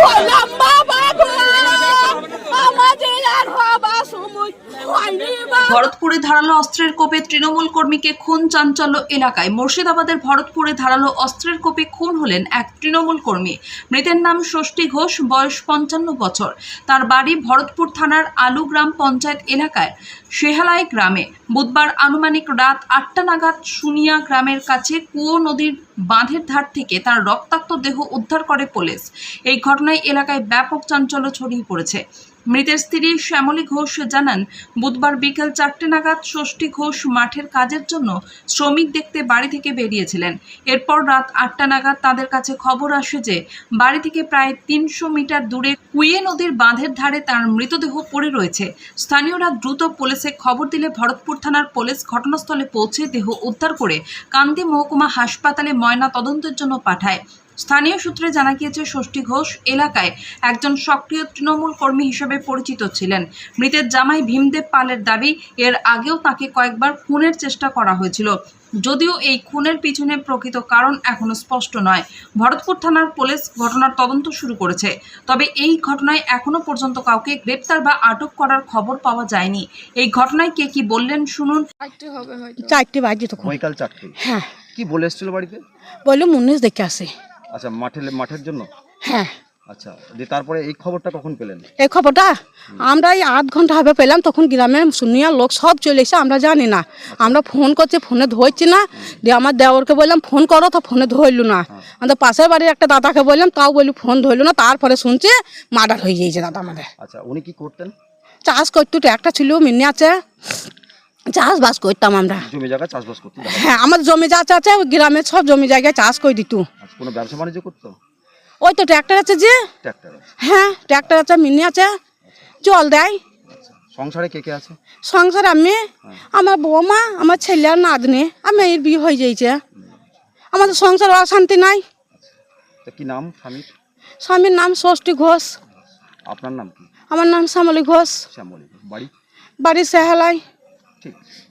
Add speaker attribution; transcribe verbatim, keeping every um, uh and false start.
Speaker 1: হলাম বাবা গো, আমাদের আর হবা সময় হয়নি বাবা।
Speaker 2: ভরতপুরে ধারালো অস্ত্রের কোপে তৃণমূল কর্মীকে খুন চাঞ্চল্য এলাকায়। মুর্শিদাবাদের ভরতপুরে ধারালো অস্ত্রের কোপে খুন হলেন এক তৃণমূল কর্মী। মৃতের নাম ষষ্ঠী ঘোষ, বয়স পঞ্চান্ন বছর। তার বাড়ি ভরতপুর থানার আলু গ্রাম পঞ্চায়েত এলাকায় শেহালাই গ্রামে। বুধবার আনুমানিক রাত আটটা নাগাদ সুনিয়া গ্রামের কাছে কুয়ো নদীর বাঁধের ধার থেকে তার রক্তাক্ত দেহ উদ্ধার করে পুলিশ। এই ঘটনায় এলাকায় ব্যাপক চাঞ্চল্য ছড়িয়ে পড়েছে। মৃতের স্ত্রী শ্যামলী ঘোষ জানান, বুধবার বিকেল চারটে নাগাদ ষষ্ঠী ঘোষ মাঠের কাজের জন্য শ্রমিক দেখতে বাড়ি থেকে বেরিয়েছিলেন। এরপর রাত আটটা নাগাদ তাদের কাছে খবর আসে যে বাড়ি থেকে প্রায় তিনশো মিটার দূরে কুয়ে নদীর বাঁধের ধারে তার মৃতদেহ পড়ে রয়েছে। স্থানীয়রা দ্রুত পুলিশে খবর দিলে ভরতপুর থানার পুলিশ ঘটনাস্থলে পৌঁছে দেহ উদ্ধার করে কান্দি মহকুমা হাসপাতালে ময়না তদন্তের জন্য পাঠায়। স্থানীয় সূত্রে জানা গিয়েছে, ষষ্ঠী ঘোষ এলাকায় একজন সক্রিয় তৃণমূল কর্মী হিসেবে পরিচিত ছিলেন। মৃতের জামাই ভীমদেব পালের দাবি, এর আগেও তাকে কয়েকবার খুনের চেষ্টা করা হয়েছিল। যদিও এই খুনের পিছনে প্রকৃত কারণ এখনো স্পষ্ট নয়। ভরতপুর থানার পুলিশ ঘটনার তদন্ত শুরু করেছে। তবে এই ঘটনায় এখনো পর্যন্ত কাউকে গ্রেপ্তার বা আটক করার খবর পাওয়া যায়নি। এই ঘটনায় কে কি বললেন শুনুন।
Speaker 3: চারটে বাজে তখন।
Speaker 4: বৈকাল চারটে।
Speaker 3: হ্যাঁ,
Speaker 4: কি বলে এসেছিল বাড়িতে?
Speaker 3: বললো মুন্নিশ দেখে আসে।
Speaker 4: আচ্ছা, মাঠে মাঠের জন্য।
Speaker 3: হ্যাঁ,
Speaker 4: আচ্ছা, দিয়ে তারপরে এই খবরটা কখন পেলেন?
Speaker 3: এই খবরটা আমরা এই আধ ঘন্টা হবে পেলাম। তখন গ্রামে শুনিয়া লোক সব চলে এসে, আমরা জানি না। আমরা ফোন করছি, ফোনে ধরছি না। দিয়ে আমার দেওরকে বললাম ফোন করো, তো ফোনে ধরলু না। আমাদের পাশের বাড়ির একটা দাদাকে বললাম, তাও বলি ফোন ধরলু না। তারপরে শুনছি মার্ডার হয়ে গিয়েছে দাদা আমাদের।
Speaker 4: আচ্ছা, উনি কি করতেন?
Speaker 3: চাষ করতো, একটা ছিল মিনি আছে, চাষবাস করতাম আমরা।
Speaker 4: জমি জায়গা চাষবাস করতেন?
Speaker 3: হ্যাঁ, আমাদের জমি যা আছে ওই গ্রামের সব জমি জায়গায় চাষ করে দিত।
Speaker 4: আচ্ছা, কোনো ব্যবসা বাণিজ্য করতো?
Speaker 3: ওই তো ট্র্যাক্টর আছে যে।
Speaker 4: ট্র্যাক্টর আছে?
Speaker 3: হ্যাঁ, ট্র্যাক্টর আছে, মিনি আছে, জল দেয়।
Speaker 4: আচ্ছা, সংসারে কে কে আছে?
Speaker 3: সংসার আমি, আমার বৌমা, আমার ছেলে আর নাতনি, আমি এর বিয়ে হয়ে যাইছে। আমাদের সংসার অশান্তি নাই।
Speaker 4: তা কি নাম স্বামীর?
Speaker 3: স্বামীর নাম ষষ্ঠী ঘোষ।
Speaker 4: আপনার নাম কি?
Speaker 3: আমার নাম শ্যামলী ঘোষ।
Speaker 4: শ্যামলী। বাড়ি?
Speaker 3: বাড়ি সেহালাই।
Speaker 4: ঠিক।